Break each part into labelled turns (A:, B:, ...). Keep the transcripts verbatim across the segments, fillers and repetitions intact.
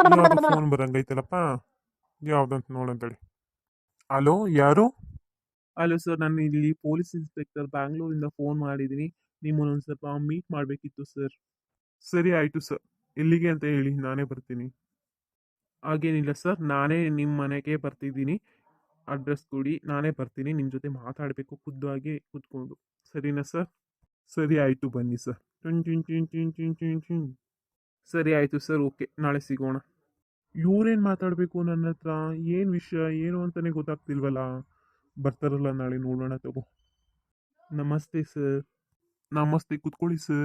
A: ಯಾವ್ದು ಫೋನ್ ಬರಂಗೈತಲ್ಲಪ್ಪ. ಯಾವ್ದಂತ ನೋಡಂತೇಳಿ. ಹಲೋ, ಯಾರು?
B: ಹಲೋ ಸರ್, ನಾನು ಇಲ್ಲಿ ಪೊಲೀಸ್ ಇನ್ಸ್ಪೆಕ್ಟರ್ ಬ್ಯಾಂಗ್ಳೂರಿಂದ ಫೋನ್ ಮಾಡಿದ್ದೀನಿ. ನಿಮ್ಮನ್ನೊಂದು ಸ್ವಲ್ಪ ಮೀಟ್ ಮಾಡಬೇಕಿತ್ತು ಸರ್.
A: ಸರಿ ಆಯ್ತು ಸರ್. ಎಲ್ಲಿಗೆ ಅಂತ ಹೇಳಿ, ನಾನೇ ಬರ್ತೀನಿ.
B: ಹಾಗೇನಿಲ್ಲ ಸರ್, ನಾನೇ ನಿಮ್ಮ ಮನೆಗೆ ಬರ್ತಿದ್ದೀನಿ. ಅಡ್ರೆಸ್ ಕೊಡಿ, ನಾನೇ ಬರ್ತೀನಿ. ನಿಮ್ಮ ಜೊತೆ ಮಾತಾಡಬೇಕು ಖುದ್ದಾಗಿ ಕೂತ್ಕೊಂಡು. ಸರಿನಾ ಸರ್?
A: ಸರಿ ಆಯ್ತು, ಬನ್ನಿ ಸರ್. ಟುನ್ ಟುನ್ ಟುನ್ ಟುನ್ ಟುನ್ ಟುನ್ ಟುನ್.
B: ಸರಿ ಆಯಿತು ಸರ್, ಓಕೆ, ನಾಳೆ ಸಿಗೋಣ.
A: ಇವ್ರೇನ್ ಮಾತಾಡ್ಬೇಕು ನನ್ನ ಹತ್ರ? ಏನ್ ವಿಷಯ ಏನು ಅಂತಾನೆ ಗೊತ್ತಾಗ್ತಿಲ್ವಲ್ಲ. ಬರ್ತಾರಲ್ಲ ನಾಳೆ, ನೋಡೋಣ ತಗೋ.
B: ನಮಸ್ತೆ ಸರ್.
A: ನಮಸ್ತೆ, ಕುತ್ಕೊಳ್ಳಿ ಸರ್.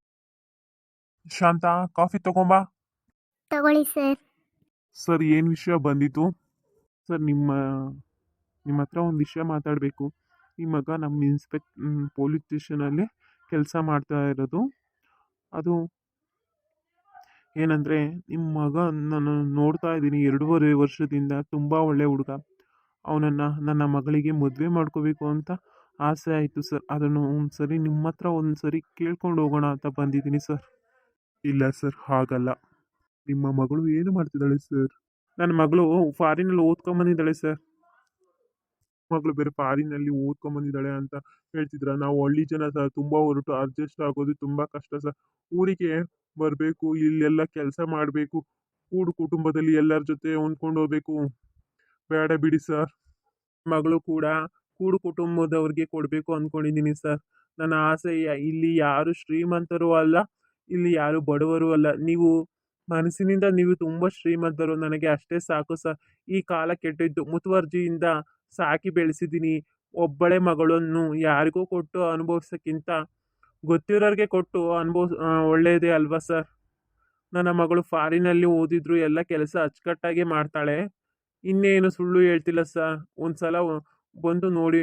A: ಶಾಂತ, ಕಾಫಿ ತಗೊಂಬಾ.
C: ತಗೊಳ್ಳಿ ಸರ್.
A: ಸರ್, ಏನ್ ವಿಷಯ ಬಂದಿತ್ತು?
B: ಸರ್, ನಿಮ್ಮ ನಿಮ್ಮ ಹತ್ರ ಒಂದು ವಿಷಯ ಮಾತಾಡಬೇಕು. ಈ ಮಗ ನಮ್ಮ ಇನ್ಸ್ಪೆಕ್ಟ್ ಪೊಲೀಸ್ ಸ್ಟೇಷನಲ್ಲಿ ಕೆಲಸ ಮಾಡ್ತಾ ಇರೋದು. ಅದು ಏನಂದರೆ, ನಿಮ್ಮ ಮಗ ನಾನು ನೋಡ್ತಾ ಇದ್ದೀನಿ ಎರಡೂವರೆ ವರ್ಷದಿಂದ. ತುಂಬ ಒಳ್ಳೆ ಹುಡುಗ. ಅವನನ್ನು ನನ್ನ ಮಗಳಿಗೆ ಮದುವೆ ಮಾಡ್ಕೋಬೇಕು ಅಂತ ಆಸೆ ಆಯಿತು ಸರ್. ಅದನ್ನು ಒಂದು ಸರಿ ನಿಮ್ಮ ಹತ್ರ ಒಂದು ಸರಿ ಕೇಳ್ಕೊಂಡು ಹೋಗೋಣ ಅಂತ ಬಂದಿದ್ದೀನಿ ಸರ್.
A: ಇಲ್ಲ ಸರ್, ಹಾಗಲ್ಲ. ನಿಮ್ಮ ಮಗಳು ಏನು ಮಾಡ್ತಿದ್ದಾಳೆ ಸರ್?
B: ನನ್ನ ಮಗಳು ಫಾರಿನಲ್ಲಿ ಓದ್ಕೊಂಬಂದಿದ್ದಾಳೆ ಸರ್.
A: ಮಗಳು ಬೇರೆ ಫಾರಿನಲ್ಲಿ ಓದ್ಕೊಂಬಂದಿದ್ದಾಳೆ ಅಂತ ಹೇಳ್ತಿದ್ರ? ನಾವು ಹಳ್ಳಿ ಜನ ಸರ್, ತುಂಬಾ ಹೊರಟು ಅಡ್ಜಸ್ಟ್ ಆಗೋದು ತುಂಬಾ ಕಷ್ಟ ಸರ್. ಊರಿಗೆ ಬರಬೇಕು, ಇಲ್ಲೆಲ್ಲ ಕೆಲಸ ಮಾಡಬೇಕು, ಕೂಡು ಕುಟುಂಬದಲ್ಲಿ ಎಲ್ಲರ ಜೊತೆ ಹೊಂದ್ಕೊಂಡು ಹೋಗ್ಬೇಕು. ಬೇಡ ಬಿಡಿ ಸರ್.
B: ಮಗಳು ಕೂಡ ಕೂಡು ಕುಟುಂಬದವ್ರಿಗೆ ಕೊಡಬೇಕು ಅಂದ್ಕೊಂಡಿದ್ದೀನಿ ಸರ್. ನನ್ನ ಆಸೆ ಯ- ಇಲ್ಲಿ ಯಾರು ಶ್ರೀಮಂತರು ಅಲ್ಲ, ಇಲ್ಲಿ ಯಾರು ಬಡವರು ಅಲ್ಲ. ನೀವು ಮನಸ್ಸಿನಿಂದ ನೀವು ತುಂಬ ಶ್ರೀಮಂತರು, ನನಗೆ ಅಷ್ಟೇ ಸಾಕು ಸರ್. ಈ ಕಾಲ ಕೆಟ್ಟಿದ್ದು. ಮುತುವರ್ಜಿಯಿಂದ ಸಾಕಿ ಬೆಳೆಸಿದ್ದೀನಿ. ಒಬ್ಬಳೆ ಮಗಳನ್ನು ಯಾರಿಗೂ ಕೊಟ್ಟು ಅನುಭವಿಸೋಕ್ಕಿಂತ ಗೊತ್ತಿರೋರಿಗೆ ಕೊಟ್ಟು ಅನುಭವಿಸ್ ಒಳ್ಳೆಯದೇ ಅಲ್ವಾ ಸರ್? ನನ್ನ ಮಗಳು ಫಾರಿನಲ್ಲಿ ಓದಿದ್ರು, ಎಲ್ಲ ಕೆಲಸ ಅಚ್ಚುಕಟ್ಟಾಗಿ ಮಾಡ್ತಾಳೆ. ಇನ್ನೇನು ಸುಳ್ಳು ಹೇಳ್ತಿಲ್ಲ ಸರ್. ಒಂದ್ಸಲ ಬಂದು ನೋಡಿ.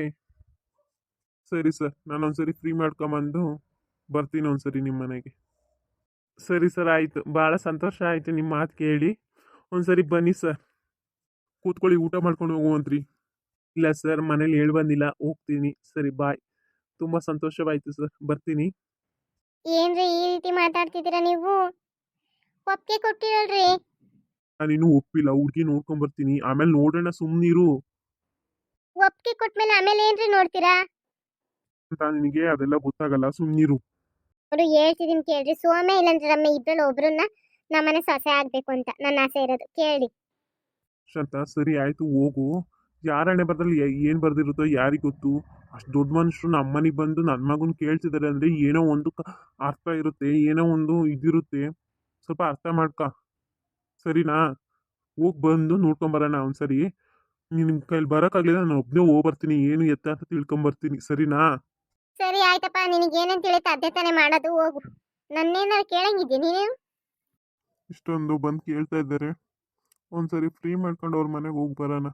A: ಸರಿ ಸರ್, ನಾನು ಒಂದ್ಸರಿ ಫ್ರೀ ಮಾಡ್ಕೊಂಬಂದು ಬರ್ತೀನಿ ಒಂದ್ಸರಿ ನಿಮ್ಮ ಮನೆಗೆ.
B: ಸರಿ ಸರ್, ಆಯಿತು. ಭಾಳ ಸಂತೋಷ ಆಯಿತು ನಿಮ್ಮ ಮಾತು ಕೇಳಿ. ಒಂದ್ಸರಿ ಬನ್ನಿ ಸರ್.
A: ಕೂತ್ಕೊಳ್ಳಿ, ಊಟ ಮಾಡ್ಕೊಂಡು ಹೋಗುವಂತ್ರಿ.
B: ಇಲ್ಲ ಸರ್, ಮನೇಲಿ ಹೇಳಿ ಬಂದಿಲ್ಲ, ಹೋಗ್ತೀನಿ. ಸರಿ, ಬಾಯ್. ತುಂಬ ಸಂತೋಷವಾಯಿತು ಸರ್, ಬರ್ತೀನಿ.
C: ಏನ್ರಿ ಈ ರೀತಿ ಮಾತಾಡ್ತಿದ್ದೀರಾ ನೀವು? ಒಪ್ಪಿಗೆ ಕೊಟ್ಟಿರಲ್ರಿ.
A: ನಾನಿನ್ನೂ ಒಪ್ಪಿಲ್ಲ. ಹುಡ್ಗಿ ನೋಡ್ಕೊಂಡ್ ಬರ್ತೀನಿ, ಆಮೇಲೆ ನೋಡೋಣ, ಸುಮ್ನಿರು
C: ಒಪ್ಪಿಗೆ ಕೊಟ್ಮೇಲೆ ಆಮೇಲೆ ಏನ್ರಿ ನೋಡ್ತೀರಾ?
A: ಅಂತ. ನಿನಗೆ ಅದೆಲ್ಲ ಗೊತ್ತಾಗಲ್ಲ, ಸುಮ್ನಿರು.
C: ಅವರು ಹೇಳ್ತಿದ್ದೀನಿ ಕೇಳ್ರಿ. ಸೋಮೆ ಇಲ್ಲಂದ್ರೆ ರಮ್ಮೆ ಇಬ್ಬರಲ್ಲಿ ಒಬ್ರನ್ನ ನಮ್ಮನೆ ಸೊಸೆ ಆಗ್ಬೇಕು ಅಂತ ನನ್ನ ಆಸೆ ಇರೋದು. ಕೇಳಿ.
A: ಶಾಂತ, ಸರಿ ಆಯ್ತು, ಹೋಗು. ಯಾರಣ್ಣೆ ಬರ್ದಲ್ಲಿ ಏನ್ ಬರ್ದಿರುತ್ತೋ ಯಾರಿಗ್ ಗೊತ್ತು. ಅಷ್ಟು ದೊಡ್ಡ ಮನುಷ್ಯರು ನಮ್ಮನೆಗೆ ಬಂದು ನನ್ನ ಮಗನ್ ಕೇಳ್ತಿದ್ದಾರೆ ಅಂದ್ರೆ ಏನೋ ಒಂದು ಕ- ಅರ್ಥ ಇರುತ್ತೆ, ಏನೋ ಒಂದು ಇದಿರುತ್ತೆ. ಸ್ವಲ್ಪ ಅರ್ಥ ಮಾಡ್ಕ, ಸರಿನಾ? ಹೋಗ್ ಬಂದು ನೋಡ್ಕೊಂಬರೋಣ ಒಂದ್ಸರಿ. ನಿಮ್ ಕೈಲಿ ಬರೋಕ್ಕಾಗ್ಲಿಲ್ಲ, ನಾನು ಒಬ್ಬನೇ ಹೋಗಿ ಬರ್ತೀನಿ, ಏನು ಎತ್ತ ಅಂತ ತಿಳ್ಕೊಂಬರ್ತೀನಿ, ಸರಿನಾ?
C: ಸರಿ ಆಯ್ತಪ್ಪ, ನಿನಗೇನೇನು ತಿಳಿಯುತ್ತೆ ಅದೇ ತಾನೇ ಮಾಡೋದು. ಹೋಗು. ನನ್ನೇನಾರು ಕೇಳಂಗಿದ್ದೆ ನೀನೇನು?
A: ಇಷ್ಟೊಂದು ಬಂದು ಕೇಳ್ತಾ ಇದ್ದಾರೆ, ಒಂದ್ಸರಿ ಫ್ರೀ ಮಾಡ್ಕೊಂಡು ಅವ್ರ ಮನೆಗೆ ಹೋಗಿ ಬರೋಣ.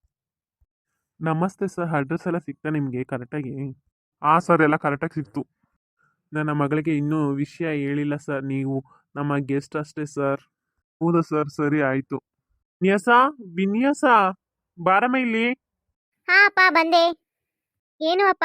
B: ನಮಸ್ತೆ ಸರ್, ಅಡ್ರೆಸ್ ಎಲ್ಲ ಸಿಗ್ತಾ ನಿಮಗೆ ಕರೆಕ್ಟಾಗಿ?
A: ಆ ಸರ್, ಎಲ್ಲ ಕರೆಕ್ಟಾಗಿ ಸಿಕ್ತು.
B: ನನ್ನ ಮಗಳಿಗೆ ಇನ್ನೂ ವಿಷಯ ಹೇಳಿಲ್ಲ ಸರ್. ನೀವು ನಮ್ಮ ಗೆಸ್ಟ್ ಅಷ್ಟೇ ಸರ್.
A: ಹೌದಾ ಸರ್? ಸರಿ ಆಯ್ತು.
B: ವಿನ್ಯಾಸ, ವಿನ್ಯಾಸ, ಬಾರಮ್ಮ ಇಲ್ಲಿ.
C: ಹಾ ಅಪ್ಪ, ಬಂದೆ. ಏನು ಅಪ್ಪ?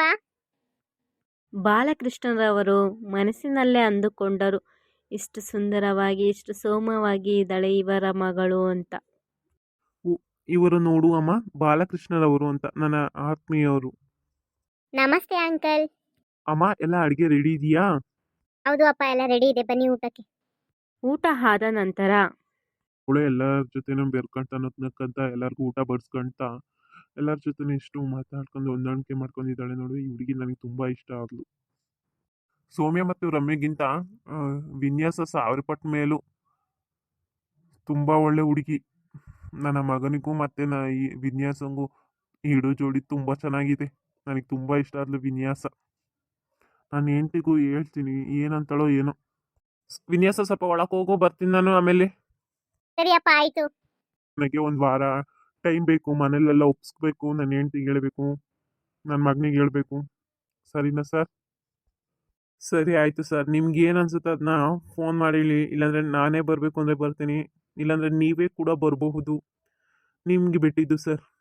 D: ಬಾಲಕೃಷ್ಣರವರು ಮನಸ್ಸಿನಲ್ಲೇ ಅಂದುಕೊಂಡರು, ಇಷ್ಟು ಸುಂದರವಾಗಿ ಇಷ್ಟು ಸೋಮವಾಗಿ ಇದ್ದಾಳೆ ಇವರ ಮಗಳು ಅಂತ.
B: ಉ- ಇವರು ನೋಡು ಅಮ್ಮ, ಬಾಲಕೃಷ್ಣರವರು ಅಂತ ನನ್ನ ಆತ್ಮೀಯವರು.
C: ನಮಸ್ತೆ ಅಂಕಲ್.
B: ಅಮ್ಮ, ಎಲ್ಲ ಅಡುಗೆ ರೆಡಿ ಇದೆಯಾ?
C: ಹೌದು ಅಪ್ಪ, ಎಲ್ಲ ರೆಡಿ ಇದೆ, ಬನ್ನಿ ಊಟಕ್ಕೆ.
D: ಊಟ ಆದ ನಂತರ
A: ಅವಳು ಎಲ್ಲರ ಜೊತೆನೂ ಬೆರ್ಕೊಂತ ನಕ್ಕಂತ ಎಲ್ಲರಿಗೂ ಊಟ ಬಡಿಸ್ಕೊಂತ ಎಲ್ಲರ ಜೊತೆನೂ ಎಷ್ಟು ಮಾತಾಡ್ಕೊಂಡು ಹೊಂದಾಣಿಕೆ ಮಾಡ್ಕೊಂಡಿದ್ದಾಳೆ ನೋಡಿ. ಈ ಹುಡುಗಿ ನನಗೆ ತುಂಬಾ ಇಷ್ಟ ಆದ್ಲು. ಸೌಮ್ಯ ಮತ್ತು ರಮ್ಯಗಿಂತ ಆ, ವಿನ್ಯಾಸ ಸಾವಿರ ಪಟ್ಟು ಮೇಲೂ ತುಂಬಾ ಒಳ್ಳೆ ಹುಡುಗಿ. ನನ್ನ ಮಗನಿಗೂ ಮತ್ತೆ ನ ಈ ವಿನ್ಯಾಸಂಗೂ ಇಡೋ ಜೋಡಿ ತುಂಬಾ ಚೆನ್ನಾಗಿದೆ. ನನಗೆ ತುಂಬಾ ಇಷ್ಟ ಆದ್ಲು ವಿನ್ಯಾಸ. ನಾನು ಹೆಂಡ್ತಿಗೂ ಹೇಳ್ತೀನಿ, ಏನಂತಾಳೋ ಏನೋ.
B: ವಿನ್ಯಾಸ, ಸ್ವಲ್ಪ ಒಳಗೆ ಹೋಗು, ಬರ್ತೀನಿ ನಾನು ಆಮೇಲೆ.
C: ಸರಿ ಅಪ್ಪ, ಆಯ್ತು.
A: ನನಗೆ ಒಂದು ವಾರ ಟೈಮ್ ಬೇಕು, ಮನೇಲೆಲ್ಲ ಒಪ್ಸ್ಬೇಕು, ನನ್ನ ಹೆಂಡ್ತಿಗೆ ಹೇಳ್ಬೇಕು, ನನ್ನ ಮಗನಿಗೆ ಹೇಳ್ಬೇಕು, ಸರಿನಾ ಸರ್?
B: ಸರಿ ಆಯಿತು ಸರ್, ನಿಮ್ಗೆ ಏನು ಅನ್ಸುತ್ತೆ ಅದನ್ನ ಫೋನ್ ಮಾಡಿ ಹೇಳಿ. ಇಲ್ಲಾಂದರೆ ನಾನೇ ಬರಬೇಕು ಅಂದರೆ ಬರ್ತೀನಿ, ಇಲ್ಲಾಂದರೆ ನೀವೇ ಕೂಡ ಬರಬಹುದು. ನಿಮ್ಗೆ ಬಿಟ್ಟಿದ್ದು ಸರ್.